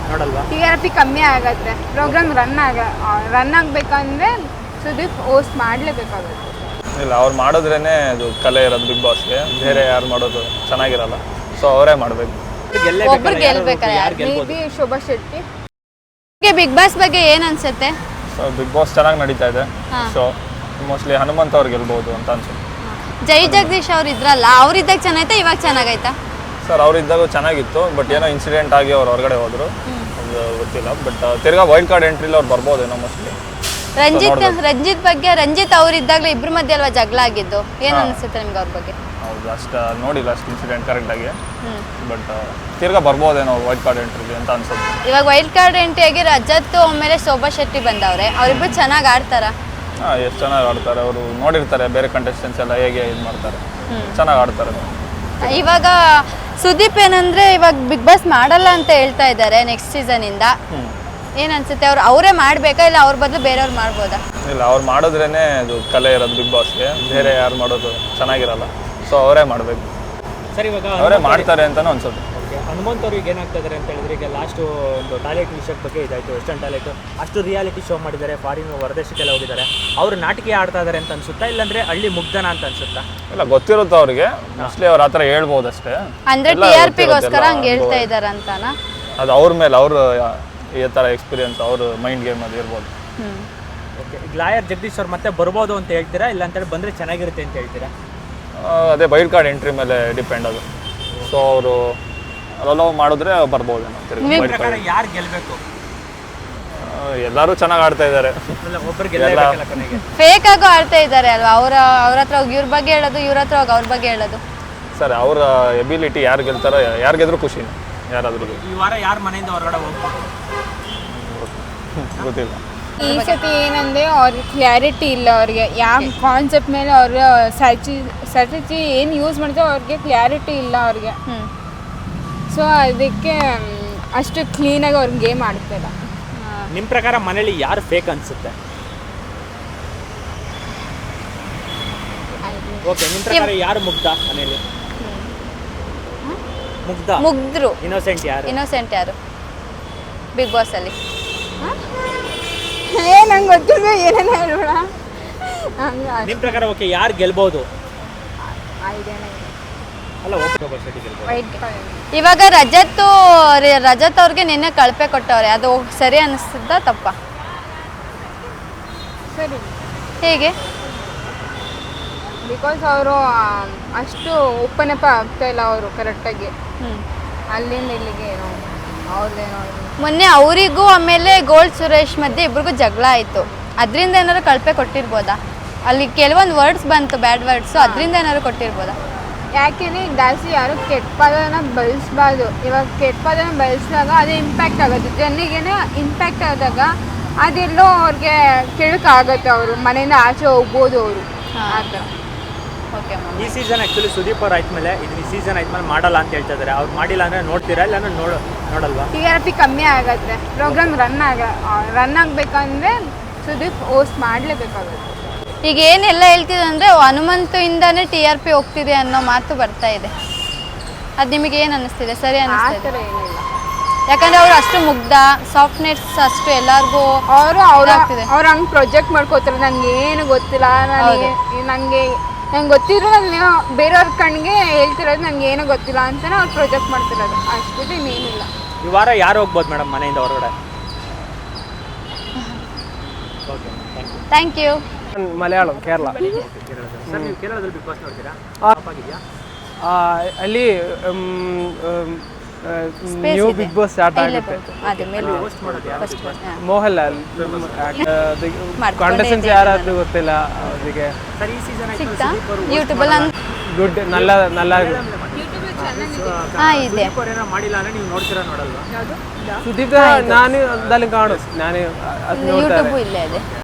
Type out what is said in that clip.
ನೋಡಲ್ವಾ? TRP ಕಮ್ಮಿ ಆಗತ್ತೆ, program run ಆಗಬೇಕಂದ್ರೆ ಸುದೀಪ್ ಹೋಸ್ಟ್ ಮಾಡಲೇಬೇಕಾಗುತ್ತೆ. ಇಲ್ಲ, ಅವ್ರು ಮಾಡಿದ್ರೇನೆ ಅದು ಕಲೆ ಇರೋದು ಬಿಗ್ ಬಾಸ್ಗೆ. ಬೇರೆ ಯಾರು ಮಾಡೋದು ಚೆನ್ನಾಗಿರಲ್ಲ. ಸೊ ಅವರೇ ಮಾಡಬೇಕು. ಒಬ್ರು ಗೆಲ್ಬೇಕಾರೆ may be Shobha Shetty. Bigg Boss ಬಗ್ಗೆ ಏನ್ ಅನ್ಸುತ್ತೆ? ಸೊ ಬಿಗ್ ಬಾಸ್ ಚೆನ್ನಾಗಿ ನಡೀತಾ ಇದೆ. ಸೊ ಮೋಸ್ಟ್ಲಿ ಹನುಮಂತ್ ಅವ್ರು ಗೆಲ್ಬಹುದು ಅಂತ ಅನ್ಸುತ್ತೆ. ಜೈ ಜಗದೀಶ್ ಅವ್ರು ಇದ್ರಲ್ಲ, ಅವ್ರಿದ್ದಾಗ ಚೆನ್ನಾಯ್ತಾ ಇವಾಗ ಚೆನ್ನಾಗೈತಾ? ಸರ್ ಅವ್ರಿದ್ದಾಗ ಚೆನ್ನಾಗಿತ್ತು, ಬಟ್ ಏನೋ ಇನ್ಸಿಡೆಂಟ್ ಆಗಿ ಅವ್ರು ಹೊರಗಡೆ ಹೋದ್ರು, ಅದು ಗೊತ್ತಿಲ್ಲ. ಬಟ್ ತಿರ್ಗಾ ವೈಲ್ಡ್ ಕಾರ್ಡ್ ಎಂಟ್ರಿಲಿ ಅವ್ರು ಬರ್ಬೋದೇನೋ ಮೋಸ್ಟ್ಲಿ. ರಂಜಿತ್ ಬಗ್ಗೆ, ರಂಜಿತ್ ಅವ್ರಿದ್ದಾಗಲೇ ಇಬ್ರ ಮಧ್ಯೆ ಅಲ್ವಾ ಜಗಳ ಆಗಿದ್ದು, ಏನ್ ಅನ್ಸುತ್ತೆ ನಿಮ್ಗೆ ಅವ್ರ ಬಗ್ಗೆ? ಹೌದು, ಅಷ್ಟು ನೋಡಿಲ್ಲ ಅಷ್ಟು ಇನ್ಸಿಡೆಂಟ್ ಕರೆಕ್ಟಾಗಿ. ಬಟ್ ತಿರ್ಗಾ ಬರ್ಬೋದೇನೋ ವೈಲ್ಡ್ ಕಾರ್ಡ್ ಎಂಟ್ರಿಗೆ ಅಂತ ಅನ್ಸುತ್ತೆ. ಇವಾಗ ವೈಲ್ಡ್ ಕಾರ್ಡ್ ಎಂಟ್ರಿ ಆಗಿ ರಜತ್ ಆಮೇಲೆ ಶೋಭಾ ಶೆಟ್ಟಿ ಬಂದವ್ರೆ, ಅವ್ರಿಬ್ರು ಚೆನ್ನಾಗಿ ಆಡ್ತಾರ? ಎಷ್ಟು ಚೆನ್ನಾಗಿ ಆಡ್ತಾರೆ. ಅವರು ನೋಡಿರ್ತಾರೆ ಬೇರೆ ಕಂಟೆಸ್ಟೆಂಟ್ಸ್ ಎಲ್ಲ ಹೇಗೆ ಇದು ಮಾಡ್ತಾರೆ, ಚೆನ್ನಾಗಿ ಆಡ್ತಾರೆ. ಇವಾಗ ಸುದೀಪ್ ಏನಂದ್ರೆ ಇವಾಗ ಬಿಗ್ ಬಾಸ್ ಮಾಡಲ್ಲ ಅಂತ ಹೇಳ್ತಾ ಇದ್ದಾರೆ ನೆಕ್ಸ್ಟ್ ಸೀಸನ್ ಇಂದ. ಏನ್ ಅನ್ಸುತ್ತೆ, ಅವರೇ ಮಾಡ್ಬೇಕಾ ಇಲ್ಲ ಅವ್ರ ಬದಲು ಬೇರೆಯವ್ರು ಮಾಡ್ಬೋದಾ? ಇಲ್ಲ, ಅವ್ರು ಮಾಡಿದ್ರೇನೆ ಅದು ಕಲೆ ಇರೋದು ಬಿಗ್ ಬಾಸ್ಗೆ. ಬೇರೆ ಯಾರು ಮಾಡೋದು ಚೆನ್ನಾಗಿರಲ್ಲ. ಸೊ ಅವರೇ ಮಾಡಬೇಕು. ಸರ್ ಇವಾಗ ಅವರೇ ಮಾಡ್ತಾರೆ ಅಂತಾನು ಅನ್ಸುತ್ತೆ. ಹನುಮಂತ್ ಅವ್ರಿಗೆ ಏನಾಗ್ತಾ ಇದ್ದಾರೆ ಅಂತ ಹೇಳಿದ್ರೆ, ಈಗ ಲಾಸ್ಟ್ ಒಂದು ಟಾಯ್ಲೆಟ್ ವಿಷಯದ ಬಗ್ಗೆ ಇದಾಯಿತು. ವೆಸ್ಟರ್ನ್ ಟಾಯ್ಲೆಟ್ ಅಷ್ಟು ರಿಯಾಲಿಟಿ ಶೋ ಮಾಡಿದ್ದಾರೆ, ಫಾರಿನ್ ಹೊರದೇಶಕ್ಕೆಲ್ಲ ಹೋಗಿದ್ದಾರೆ. ಅವರು ನಾಟಕ ಆಡ್ತಾ ಇದ್ದಾರೆ ಅಂತ ಅನ್ಸುತ್ತಾ, ಇಲ್ಲಾಂದ್ರೆ ಹಳ್ಳಿ ಮುಗ್ಧನ ಅಂತ ಅನ್ಸುತ್ತಾ? ಇಲ್ಲ, ಗೊತ್ತಿರುತ್ತೆ ಅವ್ರಿಗೆ. ಮೋಸ್ಟ್ಲಿ ಅವ್ರು ಆ ಥರ ಹೇಳ್ಬೋದು ಅಷ್ಟೇ. ಅಂದ್ರೆ TRPಗೋಸ್ಕರ ಹಂಗೆ ಹೇಳ್ತಾ ಇದ್ದಾರೆ ಅಂತಾನ? ಅದು ಅವ್ರ ಮೇಲೆ, ಅವರು ಈ ಥರ ಎಕ್ಸ್ಪೀರಿಯನ್ಸ್ ಅವ್ರ ಮೈಂಡ್ ಗೇಮ್ ಅದು ಇರ್ಬೋದು. ಓಕೆ, ಈಗ ಲಾಯರ್ ಜಗದೀಶ್ ಅವ್ರು ಮತ್ತೆ ಬರ್ಬೋದು ಅಂತ ಹೇಳ್ತೀರಾ, ಇಲ್ಲ ಅಂತೇಳಿ ಬಂದರೆ ಚೆನ್ನಾಗಿರುತ್ತೆ ಅಂತ ಹೇಳ್ತೀರಾ? ಅದೇ ವೈಲ್ಡ್ ಕಾರ್ಡ್ ಎಂಟ್ರಿ ಮೇಲೆ ಡಿಪೆಂಡ್ ಅದು. ಸೊ ಅವರು ಅಲೋವ್ ಮಾಡಿದ್ರೆ ಬರ್ಬೋದೇನೋ. ಯಾರು ಗೆಲ್ಲಬೇಕು? ಎಲ್ಲರೂ ಚೆನ್ನಾಗಿ ಆಡ್ತಾ ಇದ್ದಾರೆ. ಫೇಕ್ ಆಗು ಆಡ್ತಾ ಇದ್ದಾರೆ ಅಲ್ವಾ? ಅವ್ರ ಹತ್ರ ಹೋಗಿ ಇವ್ರ ಬಗ್ಗೆ ಹೇಳೋದು, ಇವ್ರ ಹತ್ರ ಹೋಗಿ ಅವ್ರ ಬಗ್ಗೆ ಹೇಳೋದು. ಸರ್ ಅವ್ರ ಎಬಿಲಿಟಿ ಯಾರು ಗೆಲ್ತಾರೋ, ಯಾರು ಗೆದ್ರು ಖುಷಿನೇ ಯಾರಾದ್ರೂ. ಈ ವಾರ ಯಾರು ಮನೆಯಿಂದ ಹೊರಗಡೆ ಹೋಗ್ಬೋದು ಗೊತ್ತಿಲ್ಲ. ಈ ಸತಿ ಏನಂದ್ರೆ ಅವ್ರಿಗೆ ಕ್ಲಾರಿಟಿ ಇಲ್ಲ. ಅವ್ರಿಗೆ ಯಾವ ಕಾನ್ಸೆಪ್ಟ್ ಮೇಲೆ ಅವ್ರ ಸ್ಟ್ರಾಟಜಿ ಏನು ಯೂಸ್ ಮಾಡ್ತಾರೆ ಅವ್ರಿಗೆ ಕ್ಲಾರಿಟಿ ಇಲ್ಲ ಅವ್ರಿಗೆ. ಸೊ ಅದಕ್ಕೆ ಅಷ್ಟು ಕ್ಲೀನಾಗಿ ಅವ್ರಿಗೆ ಗೇಮ್ ಆಡ್ತಿಲ್ಲ. ನಿಮ್ಮ ಪ್ರಕಾರ ಮನೇಲಿ ಯಾರು ಫೇಕ್ ಅನ್ಸುತ್ತೆ? ಓಕೆ, ನಿಮ್ಮ ಪ್ರಕಾರ ಯಾರು ಮುಗ್ಧ ಮನೇಲಿ? ಮುಗ್ಧರು. ಇನ್ನೋಸೆಂಟ್ ಯಾರು ಬಿಗ್ ಬಾಸ್ ಅಲ್ಲಿ? ನಂಗೆ ಗೊತ್ತಿಲ್ಲ, ಏನೇನು ಹೇಳ್ಬೇಡ. ನಿಮ್ಮ ಪ್ರಕಾರ ಓಕೆ ಯಾರು ಗೆಲ್ಬಹುದು? ಅಲ್ಲ, ಇವಾಗ ರಜತ್ ಅವ್ರಿಗೆ ನಿನ್ನೆ ಕಳಪೆ ಕೊಟ್ಟವ್ರೆ, ಅದು ಸರಿ ಅನಿಸ್ತದ ತಪ್ಪ? ಸರಿ. ಹೇಗೆ? ಬಿಕಾಸ್ ಅವರು ಅಷ್ಟು ಓಪನ್ ಅಪ್ ಆಗ್ತಾ ಇಲ್ಲ ಅವರು ಕರೆಕ್ಟಾಗಿ. ಅಲ್ಲಿಂದ ಇಲ್ಲಿಗೆ ಏನೋ ಅವ್ರದ್ದೇನೋ. ಮೊನ್ನೆ ಅವರಿಗೂ ಆಮೇಲೆ ಗೋಲ್ಡ್ ಸುರೇಶ್ ಮಧ್ಯೆ ಇಬ್ರಿಗೂ ಜಗಳ ಆಯಿತು. ಅದರಿಂದ ಏನಾದ್ರು ಕಳಪೆ ಕೊಟ್ಟಿರ್ಬೋದಾ? ಅಲ್ಲಿ ಕೆಲವೊಂದು ವರ್ಡ್ಸ್ ಬಂತು, ಬ್ಯಾಡ್ ವರ್ಡ್ಸು, ಅದರಿಂದ ಏನಾದ್ರು ಕೊಟ್ಟಿರ್ಬೋದಾ? ಯಾಕೆಂದರೆ ಜಾಸ್ತಿ ಯಾರು ಕೆಟ್ಟ ಪದನ ಬಳಸಬಾರ್ದು. ಇವಾಗ ಕೆಟ್ಟ ಪದನ ಬಳಸಿದಾಗ ಅದು ಇಂಪ್ಯಾಕ್ಟ್ ಆಗುತ್ತೆ, ಜನರಿಗೇನೆ ಇಂಪ್ಯಾಕ್ಟ್ ಆದಾಗ ಅದೆಲ್ಲೋ ಅವ್ರಿಗೆ ಕೆಳಕಾಗತ್ತೆ. ಅವರು ಮನೆಯಿಂದ ಆಚೆ ಹೋಗ್ಬೋದು ಅವರು ಆ ಥರ. ಓಕೆ, ಈ ಸೀಸನ್ ಆ್ಯಕ್ಚುಲಿ ಸುದೀಪ್ ಅವ್ರು ಆದ್ಮೇಲೆ ಇದನ್ನ ಈ ಸೀಸನ್ ಆದ್ಮೇಲೆ ಮಾಡಲ್ಲ ಅಂತ ಹೇಳ್ತಾ ಇದ್ದಾರೆ. ಅವ್ರು ಮಾಡಿಲ್ಲ ಅಂದರೆ ನೋಡ್ತೀರಾ, ಇಲ್ಲ ನೋಡಲ್ವಾ? TRP ಕಮ್ಮಿ ಆಗತ್ತೆ, ಪ್ರೋಗ್ರಾಮ್ ರನ್ ಆಗಬೇಕಂದ್ರೆ ಸುದೀಪ್ ಹೋಸ್ಟ್ ಮಾಡಲೇಬೇಕಾಗುತ್ತೆ. ಈಗ ಏನೆಲ್ಲ ಹೇಳ್ತಿದೆ ಅಂದರೆ ಹನುಮಂತಿಂದಾನೇ TRP ಹೋಗ್ತಿದೆ ಅನ್ನೋ ಮಾತು ಬರ್ತಾ ಇದೆ. ಅದು ನಿಮಗೆ ಏನು ಅನ್ನಿಸ್ತಿದೆ? ಸರಿ ಅನ್ನಿಸ್ತಿದೆ? ಏನಿಲ್ಲ, ಯಾಕಂದ್ರೆ ಅವ್ರು ಅಷ್ಟು ಮುಗ್ಧ, ಸಾಫ್ಟ್ನೆಸ್ ಅಷ್ಟು ಎಲ್ಲರಿಗೂ ಅವ್ರು ಹಂಗೆ ಪ್ರೊಜೆಕ್ಟ್ ಮಾಡ್ಕೋತಾರೆ. ನನಗೆ ಏನು ಗೊತ್ತಿಲ್ಲ, ನಂಗೆ ಗೊತ್ತಿರೋ ನಾನು ಬೇರೆಯವ್ರ ಕಣ್ಣಿಗೆ ಹೇಳ್ತಿರೋದು ನನಗೆ ಏನೂ ಗೊತ್ತಿಲ್ಲ ಅಂತಾನೆ ಅವ್ರು ಪ್ರೊಜೆಕ್ಟ್ ಮಾಡ್ತಿರೋದು, ಅಷ್ಟು ಇನ್ನೇನಿಲ್ಲ. ಈ ವಾರ ಯಾರು ಹೋಗ್ಬೋದು ಮೇಡಮ್ ಮನೆಯಿಂದ ಹೊರಗಡೆ? Okay, thank you. Malayalam, Kerala. Sir, ನೀವು ಕೇರಳದಲ್ಲಿ ಬಿಗ್ ಬಾಸ್ ನೋಡ್ತೀರಾ? ಅಲ್ಲಿ ನ್ಯೂ ಬಿಗ್ ಬಾಸ್ ಸ್ಟಾರ್ಟ್ ಆಗುತ್ತೆ. ಮೋಹನ್ಲಾಲ್ ಕಾಂಟೆಸ್ಟೆಂಟ್ಸ್ ಯಾರಾದ್ರೂ ಗೊತ್ತಿಲ್ಲ ಅವರಿಗೆ. ಗುಡ್, ನಲ್ಲ ಸುದೀಪ್ ನಾನು ಅಲ್ಲಿ ಕಾಣು, ನಾನು ಅದು ನೋಡ್ತಾರೆ.